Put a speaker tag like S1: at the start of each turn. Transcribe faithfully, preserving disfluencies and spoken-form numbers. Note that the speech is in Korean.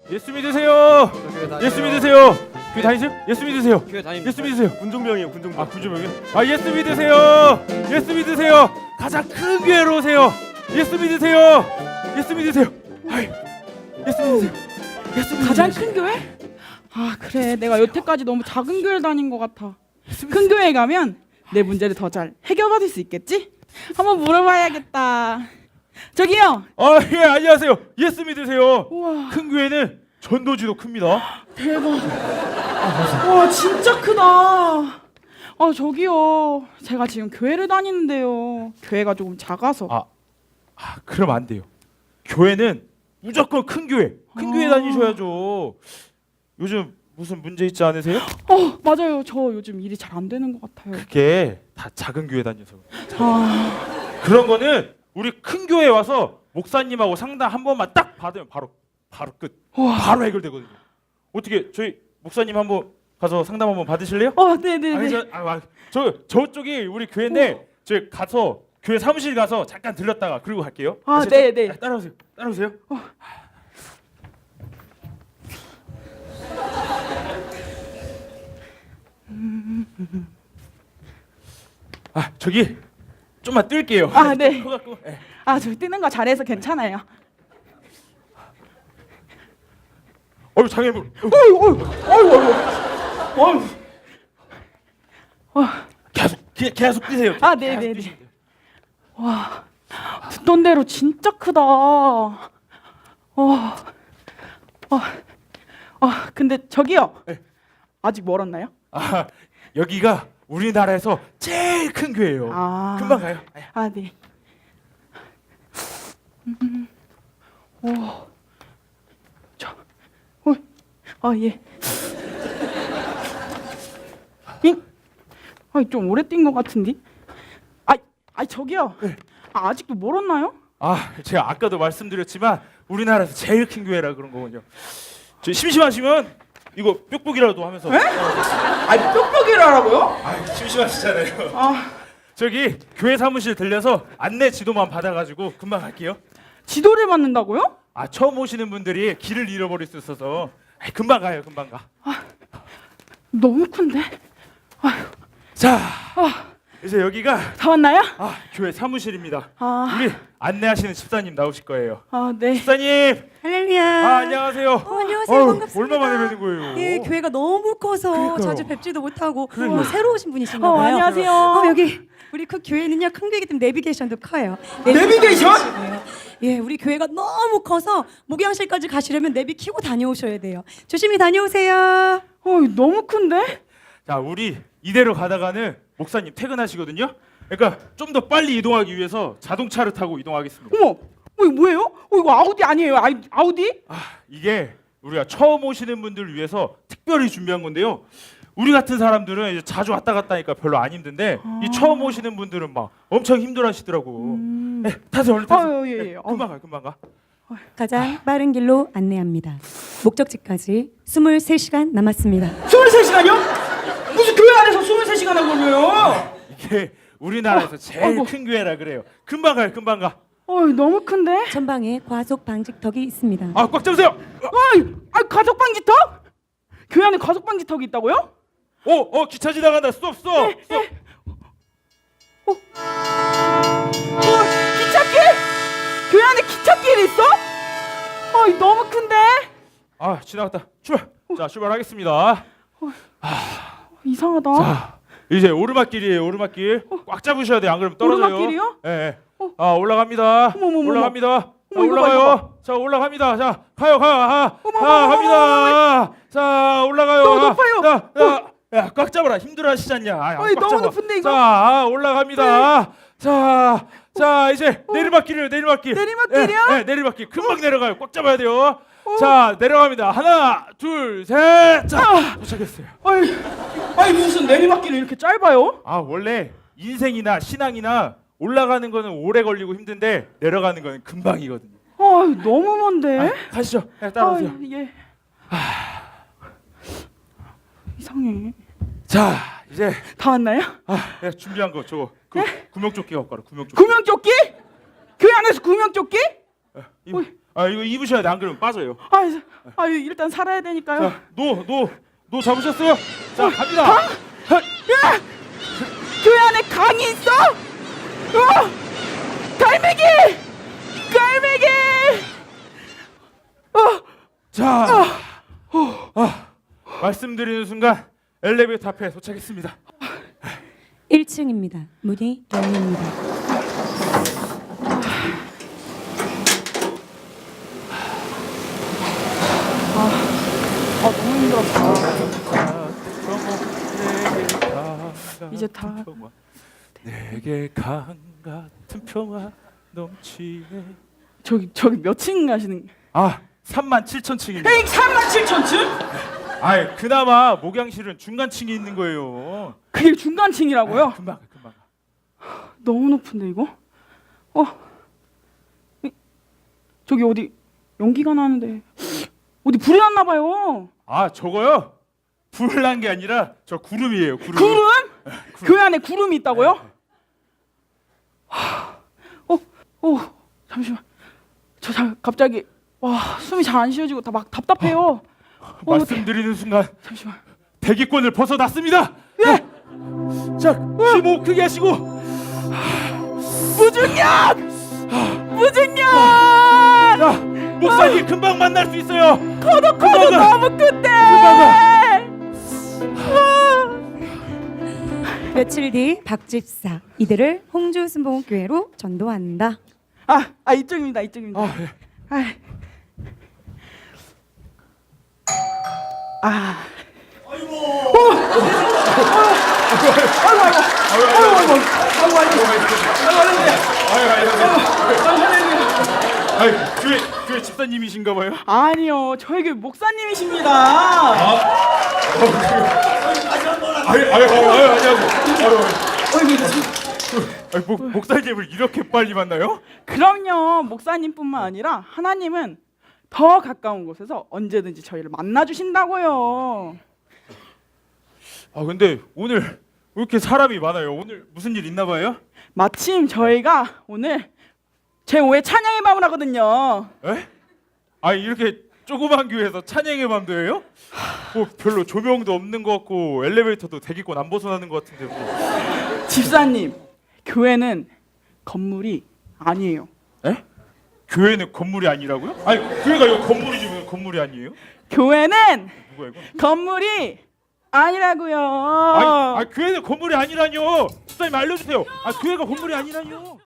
S1: 예수 믿으세요. 예수 믿으세요. 교회 다니세요? 예수 믿으세요.
S2: 교회 다닙니다.
S1: 예수 믿으세요.
S2: 군종병이에요, 군종병.
S1: 아 군주병이요? 아 예수 믿으세요. 예수 믿으세요. 가장 큰 교회로 오세요. 예수 믿으세요. 예수 믿으세요. 아이, 예수 믿으세요. 예수 믿으세요.
S3: 가장 큰 교회? 아 그래, 내가 여태까지 너무 작은 교회 다닌 것 같아. 큰 교회에 가면 내 문제를 더 잘 해결받을 수 있겠지? 한번 물어봐야겠다. 저기요.
S1: 아 예 안녕하세요. 예수 믿으세요.
S3: 우와,
S1: 큰 교회는 전도지도 큽니다.
S3: 대박. 와 진짜 크다. 아 저기요, 제가 지금 교회를 다니는데요. 교회가 조금 작아서.
S1: 아, 아 그럼 안 돼요. 교회는 무조건 큰 교회. 큰
S3: 아.
S1: 교회 다니셔야죠. 요즘 무슨 문제 있지 않으세요?
S3: 어 맞아요. 저 요즘 일이 잘 안 되는 것 같아요.
S1: 그게 다 작은 교회 다녀서.
S3: 아
S1: 그런 거는 우리 큰 교회에 와서 목사님하고 상담 한 번만 딱 받으면 바로 바로 끝.
S3: 우와.
S1: 바로 해결되거든요. 어떻게 저희 목사님 한번 가서 상담 한번 받으실래요?
S3: 어 네네네.
S1: 아니 저, 아, 아, 저 저쪽이 우리 교회인데 저희 가서 교회 사무실 가서 잠깐 들렸다가 그리고 갈게요.
S3: 아,
S1: 아시죠?
S3: 네, 네.
S1: 아, 따라오세요. 따라오세요. 아 저기 좀만 뜰게요.
S3: 아, 네.
S1: 커갖고. 예.
S3: 아 저 뜨는 거 잘해서 괜찮아요.
S1: 어유 장애물.
S3: 어이 어이 어이 어이. 와.
S1: 계속 계, 계속 뛰세요.
S3: 아,
S1: 계속
S3: 네네네.
S1: 뛰시면 돼요.
S3: 와, 듣던 대로 진짜 크다. 와, 와, 아, 근데 저기요.
S1: 네.
S3: 아직 멀었나요?
S1: 아 여기가 우리나라에서 제일 큰 교회예요.
S3: 아,
S1: 금방 가요. 예.
S3: 아, 네. 음, 오, 저, 어, 아 예. 잉? 아, 좀 오래 뛴 것 같은데. 아, 아, 저기요.
S1: 네.
S3: 아, 아직도 멀었나요?
S1: 아 제가 아까도 말씀드렸지만 우리나라에서 제일 큰 교회라 그런 거군요. 저 심심하시면 이거 뾱뾱이라도 하면서.
S3: 에? 아, 뾱뾱이라고요?
S1: 아 심심하시잖아요.
S3: 아,
S1: 저기 교회 사무실 들려서 안내 지도만 받아가지고 금방 갈게요.
S3: 지도를 받는다고요?
S1: 아 처음 오시는 분들이 길을 잃어버릴 수 있어서 아이, 금방 가요. 금방 가.
S3: 너무 큰데. 아휴,
S1: 자
S3: 아,
S1: 이제 여기가
S3: 다 왔나요?
S1: 아 교회 사무실입니다.
S3: 아,
S1: 우리 안내하시는 집사님 나오실 거예요.
S3: 아, 네.
S1: 집사님.
S4: 할렐루야.
S1: 아 안녕하세요.
S4: 어, 안녕하세요.
S1: 어휴,
S4: 반갑습니다.
S1: 얼마 만에 뵈는 거예요?
S4: 예, 교회가 너무 커서
S1: 그러니까요.
S4: 자주 뵙지도 못하고
S1: 그러니까요.
S4: 어, 새로 오신 분이신가
S3: 어,
S4: 봐요.
S3: 안녕하세요.
S4: 어, 여기 우리 그 교회는요 큰 교회이기 때문에 내비게이션도 커요.
S3: 내비게이션?
S4: 있으시고요. 예, 우리 교회가 너무 커서 목양실까지 가시려면 내비 켜고 다녀오셔야 돼요. 조심히 다녀오세요.
S3: 어, 너무 큰데?
S1: 자 우리 이대로 가다가는 목사님 퇴근하시거든요. 그러니까 좀 더 빨리 이동하기 위해서 자동차를 타고 이동하겠습니다.
S3: 어머, 어, 이거 뭐예요? 어, 이거 아우디 아니에요? 아이, 아우디?
S1: 아 이게 우리가 처음 오시는 분들을 위해서 특별히 준비한 건데요. 우리 같은 사람들은 이제 자주 왔다 갔다 하니까 별로 안 힘든데
S3: 아.
S1: 이 처음 오시는 분들은 막 엄청 힘들어하시더라고.
S3: 음.
S1: 네, 타세요 얼른 타세요.
S3: 아유, 예, 예.
S1: 네, 금방 가 금방 가.
S4: 가장 빠른 길로 안내합니다. 목적지까지 이십삼 시간 남았습니다.
S3: 스물세 시간이요? 무슨 교회 안에서 스물세 시간을 걸려요?
S1: 이게 우리나라에서 제일
S3: 아이고.
S1: 큰 교회라 그래요. 금방 가요 금방 가.
S3: 어, 너무 큰데?
S4: 전방에 과속 방지턱이 있습니다.
S1: 아 꽉 잡으세요.
S3: 어이, 아, 가족 방지턱? 교회 안에 가족 방지턱이 있다고요?
S1: 어, 어 기차 지나간다. 스톱, 스톱. 스톱.
S3: 어, 기찻길? 교회 안에 기찻길이 있어? 어, 너무 큰데?
S1: 아, 지나갔다. 출발. 자, 출발하겠습니다.
S3: 이상하다.
S1: 자, 이제 오르막길이에요. 오르막길. 꽉 잡으셔야 돼요. 안 그러면 떨어져요.
S3: 오르막길이요?
S1: 예. 예.
S3: 어.
S1: 아, 올라갑니다.
S3: 어머머머머.
S1: 올라갑니다. 자,
S3: 어머, 이거 봐,
S1: 올라가요.
S3: 이거 봐.
S1: 자, 올라갑니다. 자, 가요, 가요. 아,
S3: 어머,
S1: 아,
S3: 어머,
S1: 갑니다. 자, 올라가요.
S3: 너무
S1: 아,
S3: 높아요.
S1: 자, 야, 야, 꽉 잡아라. 힘들어하시지 않냐? 아,
S3: 어이,
S1: 꽉
S3: 너무
S1: 잡아.
S3: 높은데, 이거?
S1: 자, 아, 올라갑니다. 자, 자, 이제 내리막길이에요. 내리막길.
S3: 내리막길이요?
S1: 예, 예, 내리막길. 금방 내려가요. 꽉 잡아야 돼요. 자, 내려갑니다. 하나, 둘, 셋. 자, 도착했어요.
S3: 아이, 아이 무슨 내리막길이 이렇게 짧아요?
S1: 아, 원래 인생이나 신앙이나 올라가는 거는 오래 걸리고 힘든데 내려가는 거는 금방이거든요.
S3: 아, 너무 먼데?
S1: 아, 가시죠. 네, 따라오세요.
S3: 아, 예. 이상해.
S1: 자, 이제
S3: 다 왔나요?
S1: 아, 내가 준비한 거 저거 그 구명조끼 갖고 와라. 구명조끼.
S3: 구명조끼? 교회 안에서 구명조끼?
S1: 이,
S3: 어이.
S1: 아 이거 입으셔야 돼. 안 그러면 빠져요.
S3: 아, 아 일단 살아야 되니까요.
S1: 자, 노, 노, 노 잡으셨어요? 자, 갑니다.
S3: 강? 야! 교회 안에 강이 있어? 어! 갈매기! 갈매기! 어!
S1: 자, 아, 말씀드리는 순간 엘리베이터 앞에 도착했습니다.
S4: 일 층입니다. 문이 열립니다.
S3: 아 너무 힘들었다. 이제 다.
S1: 내게 강 같은 평화 넘치네.
S3: 저기 저기 몇 층 가시는?
S1: 아, 삼만 칠천 층입니다.
S3: 에이 삼만 칠천 층?
S1: 아, 그나마 목양실은 중간층이 있는 거예요.
S3: 그게 중간층이라고요?
S1: 아, 금방 가, 금방 가.
S3: 너무 높은데 이거? 어? 이- 저기 어디 연기가 나는데 어디 불이 났나 봐요.
S1: 아, 저거요? 불 난 게 아니라 저 구름이에요. 구름.
S3: 구름? 교회 안에 구름이 있다고요? 하, 어, 어, 잠시만. 저 자, 갑자기 와 숨이 잘 안 쉬어지고 다 막 답답해요. 어,
S1: 말씀드리는 순간
S3: 잠시만.
S1: 대기권을 벗어났습니다.
S3: 예,
S1: 자, 심호흡 크게 하시고.
S3: 무중력, 무중력.
S1: 자, 목사님 금방 만날 수 있어요.
S3: 커도 커도
S1: 금방 가.
S3: 너무 큰데.
S4: 며칠 뒤 박집사 이들을 홍주 순복음교회로 전도한다.
S3: 아, 아 이쪽입니다, 이쪽입니다.
S1: 아, 예.
S3: 아, 아.
S1: 아이, 교회 교회 집사님이신가 봐요.
S3: 아니요, 저희 교회 목사님이십니다.
S1: 아이, 아이, 아이, 아이, 안녕하세요. 아이, 목 목사님을 이렇게 빨리 만나요?
S3: 그럼요, 목사님뿐만 아니라 하나님은 더 가까운 곳에서 언제든지 저희를 만나 주신다고요.
S1: 아, 근데 오늘 왜 이렇게 사람이 많아요? 오늘 무슨 일 있나 봐요?
S3: 마침 저희가 오늘 제오의 찬양의 밤을 하거든요.
S1: 에? 아, 이렇게 조그만 교회에서 찬양의 밤도 해요? 뭐 별로 조명도 없는 것 같고 엘리베이터도 대기권 안 벗어나는 것 같은데 뭐.
S3: 집사님, 교회는 건물이 아니에요.
S1: 에? 교회는 건물이 아니라고요? 아니, 교회가 이거 건물이지 왜 건물이 아니에요?
S3: 교회는
S1: 누가 이거?
S3: 건물이 아니라고요.
S1: 아니, 아, 교회는 건물이 아니라뇨. 집사님 알려주세요. 아, 교회가 건물이 아니라뇨.